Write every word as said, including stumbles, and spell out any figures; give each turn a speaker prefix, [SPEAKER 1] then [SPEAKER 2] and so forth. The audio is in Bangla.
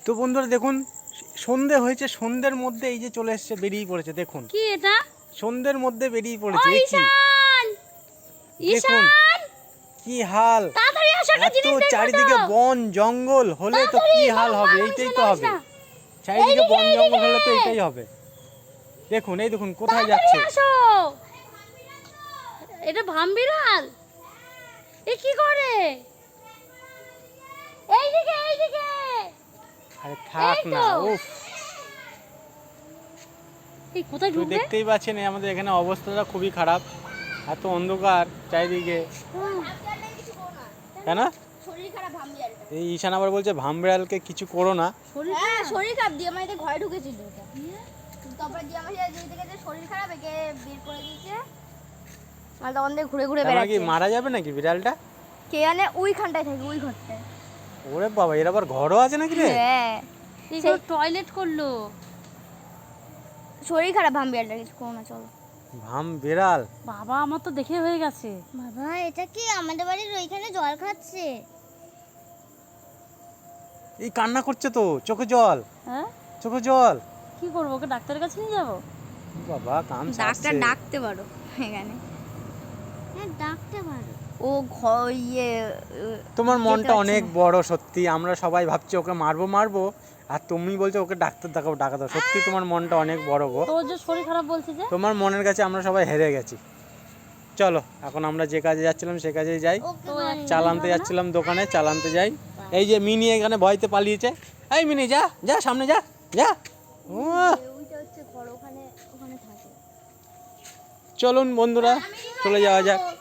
[SPEAKER 1] তো বন্ধুরা দেখুন সন্ধে হয়েছে, সন্ধ্যের মধ্যে এই যে চলে এসেছে, বেরিয়ে পড়েছে। দেখুন
[SPEAKER 2] কি এটা,
[SPEAKER 1] সন্ধ্যের মধ্যে বেরিয়ে পড়েছে।
[SPEAKER 2] ও ঈশান,
[SPEAKER 1] দেখুন কি হাল, এত চারিদিকে বন জঙ্গল হলে তো কি হাল হবে, এইটাই তো হবে। চারিদিকে বন জঙ্গল হলে তো এইটাই হবে। দেখুন এই দেখুন কোথায় যাচ্ছে।
[SPEAKER 2] এটা ভামবিড়াল, এ কি করে? এইদিকে এইদিকে।
[SPEAKER 1] আরে থাক না, উফ।
[SPEAKER 2] এই কোথায় ঢুকবে?
[SPEAKER 1] দেখতেই পাচ্ছেন আমাদের এখানে অবস্থাটা খুবই খারাপ, এত অন্ধকার চারিদিকে। কেন
[SPEAKER 3] শরীর খারাপ ভামবিড়ালটা?
[SPEAKER 1] এই ঈশান আবার বলছে ভামবিড়ালকে কিছু করো না।
[SPEAKER 3] হ্যাঁ শরীর খারাপ দিয়ে আমার ঘরে ঢুকেছিল ওটা। তারপরে দিয়ে আমার যেই থেকে যে শরীর খারাপ একে বের করে দিয়েছে, আর তখন দিয়ে ঘুরে ঘুরে
[SPEAKER 1] তারপরে কি
[SPEAKER 3] বেড়াচ্ছে।
[SPEAKER 1] মারা যাবে নাকি বিড়ালটা?
[SPEAKER 3] কে জানে, ওইখানটায় থাকে, ওই ঘরটায়।
[SPEAKER 1] ওরে বাবা, এর আবার ঘরও আছে নাকি রে?
[SPEAKER 3] হ্যাঁ
[SPEAKER 2] এই টয়লেট করলো।
[SPEAKER 3] শরীর খারাপ ভামবিড়ালটা, কিছু করো না, চলো।
[SPEAKER 1] ভাম বিড়াল
[SPEAKER 2] বাবা আমার তো দেখে হয়ে গেছে।
[SPEAKER 3] বাবা এটা কি আমাদের বাড়ির ওইখানে জল খাচ্ছে?
[SPEAKER 1] এই কান্না করছে তো, চোখে জল,
[SPEAKER 2] হ্যাঁ
[SPEAKER 1] চোখে জল।
[SPEAKER 2] কি করবো, ওকে ডাক্তারের কাছে নিয়ে যাবো?
[SPEAKER 1] বাবা কান
[SPEAKER 3] ডাক্তার
[SPEAKER 1] ছাড়ছে।
[SPEAKER 3] ডাকতে পারো এখানে, হ্যাঁ ডাকতে পারো। ও ঘর ইয়ে
[SPEAKER 1] তোমার মনটা অনেক বড় সত্যি। আমরা সবাই ভাবছি ওকে মারবো মারবো, আর তুমি বলছো ওকে ডাক্তার দেখাবো ডাকা দাও। সত্যি তোমার মনটা অনেক বড় গো।
[SPEAKER 2] তোর যে শরীর খারাপ বলছে যে,
[SPEAKER 1] তোমার মনের কাছে আমরা সবাই হেরে গেছি। চলো এখন আমরা যে কাজে যাচ্ছিলাম সে কাজেই যাই।
[SPEAKER 2] তো এক-
[SPEAKER 1] চাল আনতে যাচ্ছিলাম দোকানে, চাল আনতে যাই। এই যে মিনি এখানে ভয়তে পালিয়েছে। এই মিনি যা যা সামনে যা যা। ও
[SPEAKER 3] ওইটা হচ্ছে ঘর, ওখানে ওখানে থাকে।
[SPEAKER 1] চলুন বন্ধুরা চলে যাওয়া যাক।